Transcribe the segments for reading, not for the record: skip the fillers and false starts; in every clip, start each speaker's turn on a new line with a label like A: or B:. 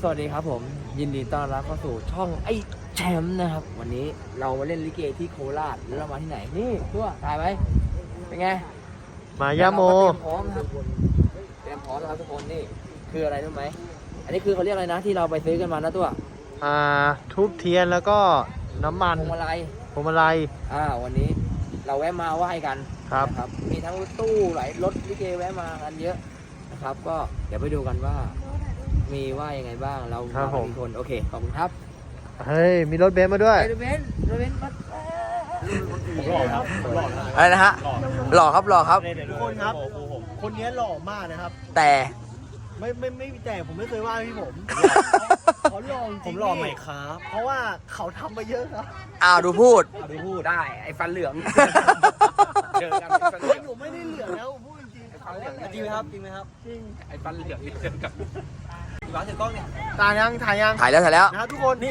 A: สวัสดีครับผมยินดีต้อนรับเข้าสู่ช่องไอ้แชมป์นะครับวันนี้เรามาเล่นลิเกที่โคราชแล้วเรามาที่ไหนนี่ตัวถ่ายไหมเป็นไง
B: มายาโม
A: เตรียมพร้อมครับเตรียมพร้อมนะครับทุกคนนี่คืออะไรรู้ไหมอันนี้คือเขาเรียกอะไรนะที่เราไปซื้อกันมานะตัว
B: ทูบเทียนแล้วก็น้ำมัน
A: พวงมาลัยวันนี้เราแวะมาไหว้กันครับมีทั้งรถตู้หลายรถลิเกแวะมากันเยอะนะครับก็เดี๋ยวไปดูกันว่ามีว่ายังไงบ้างเรามีคนโอเคขอบคุณครับ
B: เฮ้ยมีรถเบนซ์มาด้วย
A: รถเบนซ์มา
B: หล่อครับ
A: อะไรนะฮะหล่อครับ
B: ทุกคนครับคนนี้หล่อมากนะครับ
A: แต่
B: ไม่แต่ผมไม่เคยว่าพี่ผมเขาหล่อจริงผมหล่อไหมครับเพราะว่าเขาทำมาเยอะครับ
A: ดูพูดได้ไอ้ฟันเหลือง
B: เจอกันฟันเหลืองผมไม่ได้เหลืองแล้วพูดจริงเขาจริงไหมครับจริง
A: ไอ้ฟันเหลืองเจอกับ
B: วางถือกล้องเนี่ยถ่ายแล้ว
A: นะ
B: ทุกคนนี่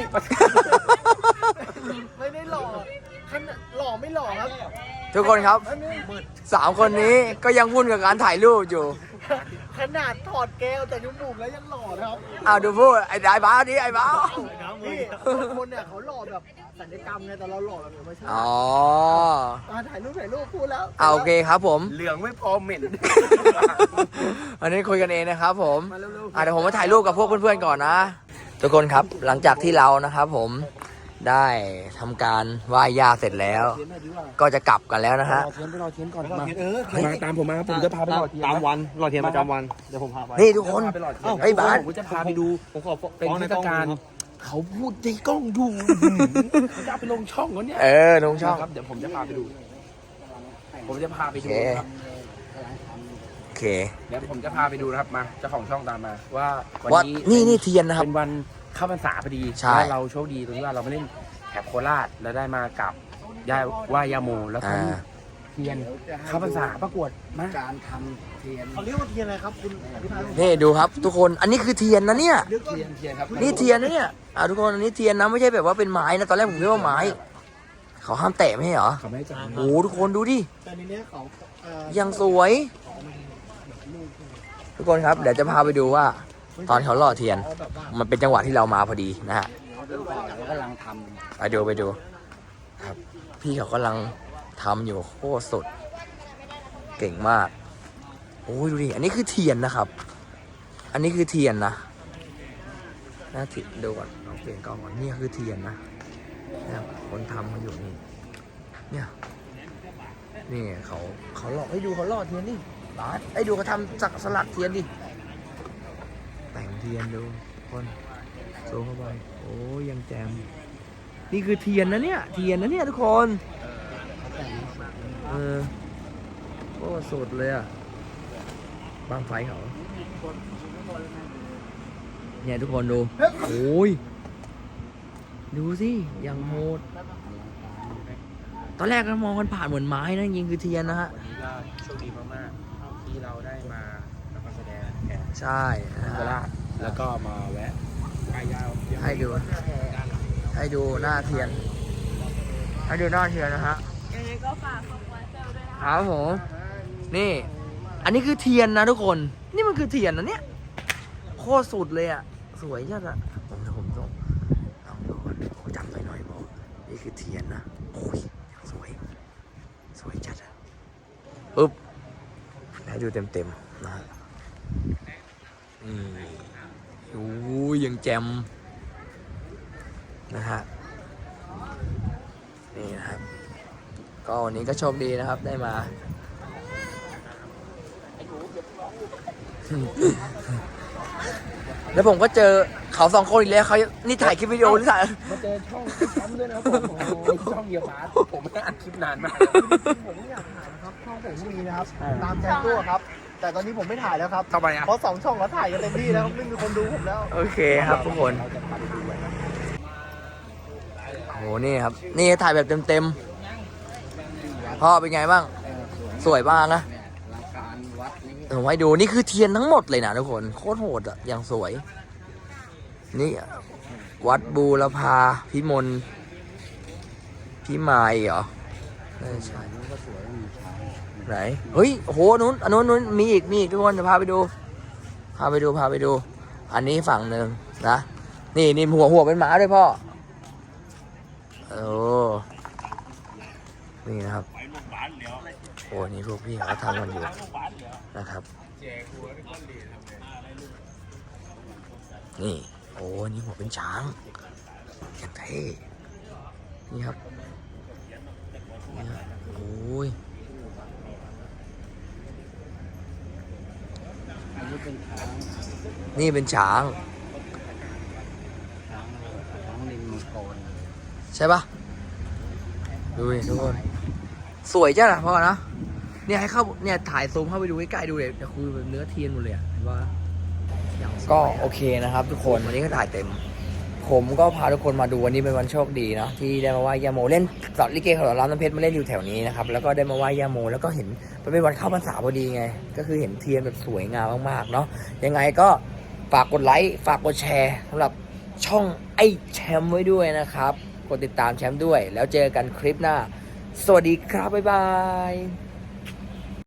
B: ไม่ได้หล่อหล่อไม่หล่อครับ
A: ทุกคนครับ3 คนนี้ก็ยังวุ่นกับการถ่ายรูปอยู่
B: ขนาดถอดแก้วแต่จมูกแล้วยังหล่อนะครับ
A: ดูพูดไอ้บ้าดิไอ้บ้า
B: นี่คนเนี่ยเขาหล่อแบบศัลยกรรมไงแต่เราหล่อแบบธรรมชาติถ่ายรูปพูดแล้ว
A: โอเคครับผม
B: เหลืองไม่พอเหม็น
A: อันนี้คุยกันเองนะครับผมเดี๋ยวผมมาถ่ายรูปกับพวกเพื่อนๆก่อนนะทุกคนครับหลังจากที่เรานะครับผมได้ทำการไหว้ย่าเสร็จแล้วก็จะกลับกันแล้วนะฮะ
B: รอเทียนก่อนมาตามผมมาผมจะพาไปรอเทียนตามวันรอเทียนประจำวันเดี๋ยวผมพาไป
A: นี่ทุกคนไอ้บ้าน
B: ผมจะพาไปดูผมขอเป็นเทศกาลเขาพูดในกล้องดูเขาจะไปลงช่องแล้วเนี่ย
A: ลงช่อง
B: ครับเดี๋ยวผมจะพาไปดูครับ
A: โอเค
B: เดี๋ยวผมจะพาไปดูนะครับมาเจ้าของช่องตามมาว่า
A: วันนี้นี่เทียนนะครับ
B: เป็นวันเข้าพรรษาพอดีแล้วเราโชคดีตรงที่ว่าเราไม่เล่นแถบโคราชแล้วได้มากับว่ายาโมแล้วก็เทียนเข้าพรรษาประกวดมา
A: การทำเทียน
B: เขาเรียกว่าเทียนอะไรครับคุณ
A: นี่ดูครับทุกคนอันนี้คือเทียนนะเนี่ย
B: เทียนครับ
A: นี่เทียนนะเนี่ยทุกคนอันนี้เทียนนะไม่ใช่แบบว่าเป็นไม้นะตอนแรกผมคิดว่าไม้เขาห้ามแตะไม่ใช่เหรอ
B: เขาไม่ให้จับ
A: โอ้ทุกคนดูดิ
B: แต่ในนี้เขา
A: ยังสวยทุกคนครับเดี๋ยวจะพาไปดูว่าตอนเขาหล่อเทียนมันเป็นจังหวะที่เรามาพอดีนะฮะ
B: กำลังท
A: ำไปดูครับพี่เขากำลังทำอยู่โคตรสุดเก่งมากโอ้ยดูดิอันนี้คือเทียนนะครับอันนี้คือเทียนนะน่าติดดูก่อนเอาเปลี่ยนกล้องก่อนนี่คือเทียนนะคนทำเขาอยู่เนี่ยเขาหล่อให้ดูเขาหล่อเทียนนี่ให้ดูเขาทำจากสลักเทียนดิแต่งเทียนดูคนโซ่เข้าไปโอ้ยังแจมนี่คือเทียนนะเนี่ยทุกคนโอ้สุดเลยบางไฟเขาเนี่ยทุกคนดูโอ้ยดูสิยังโหดตอนแรกเรามองกันผ่านเหมือนไม้นะจริงคือเทียนนะฮะ
B: วันนี้ก็โชคดีมากๆที่เราได้มาแสดงแข่ง
A: ใช่
B: โคราชแล้วก็มาแวะไปยาว
A: ให้ดูหน้าเทียนนะฮะ
C: ยังไงก็ฝากของวันเซลด้วยนะ
A: ครับผมนี่อันนี้คือเทียนนะทุกคนนี่มันคือเทียนนะเนี่ยโคตรสุดเลยสวยจัดผมต้องลองดูจำหน่อยบอกนี่คือเทียนนะโอ้ยสวยจัดปึ๊บให้ดูเต็มนะฮะโอ้ยยังแจมนะฮะนี่นะครับก็วันนี้ก็โชคดีนะครับได้มาแล้วผมก็เจอเขา2 คนอีกแล้วเขานี่ถ่ายคลิปวิดีโอหรือถ่าย
B: มาเจอช่องแชมป์ด้วยนะช่องเยียบาสผมไม่ได้อัดคลิปนานมาก
D: ผมอยากถ่ายนะครับช่องผมมีนะครับตามใจตัวครับแต่ตอนนี้ผมไม่ถ่ายแล้วครับ
B: ทำไมเพ
D: ราะ2 ช่องเขาถ่ายกันเต็มที่แล้วไม่มีคนดูผมแล้ว
A: โอเคครับทุกคนโอ้นี่ครับนี่ถ่ายแบบเต็มพ่อเป็นไงบ้างสวยมากนะผมให้ดูนี่คือเทียนทั้งหมดเลยนะทุกคนโคตรโหดอย่างสวยนี่วัดบูรพาพิมลพิมายเหรอใช่ไหนเฮ้ยโหนู้นมีอีกทุกคนจะพาไปดูอันนี้ฝั่งหนึ่งนะ นี่หัวเป็นหมาด้วยพ่อโอ้นี่นะครับโอ้นี่พวกพี่เขาทำกันอยู่นะครับนี่โอ้นี่หัวเป็นช้างอย่างเท่นี่ครับนี่ครับโอ้ย
B: อันนี้เป็นช้าง
A: นี่เป็นช้าง
B: ช้างลิงมังกร
A: ใช่ปะดูดิทุกคนสวยจ้ะนะพ่อนะเนี่ยให้เข้าเนี่ยถ่ายซูมเข้าไปดูใกล้ๆดูเลยจะคือเนื้อเทียนหมดเลยอะเห็นว่าก็โอเคนะครับ ทุกคนวันนี้ก็ถ่ายเต็ม ผมก็พาทุกคนมาดูวันนี้เป็นวันโชคดีเนาะที่ได้มาไหว้ย่าโมเล่นสอนลิเกของเราน้ำเพชรมาเล่นอยู่แถวนี้นะครับแล้วก็ได้มาไหว้ย่าโมแล้วก็เห็นมันเป็นวันเข้าพรรษาพอดีไงก็คือเห็นเทียนแบบสวยงามมากๆเนาะยังไงก็ฝากกดไลค์ฝากกดแชร์สำหรับช่องไอ้แชมป์ไว้ด้วยนะครับกดติดตามแชมป์ด้วยแล้วเจอกันคลิปหน้าสวัสดีครับบ๊ายบาย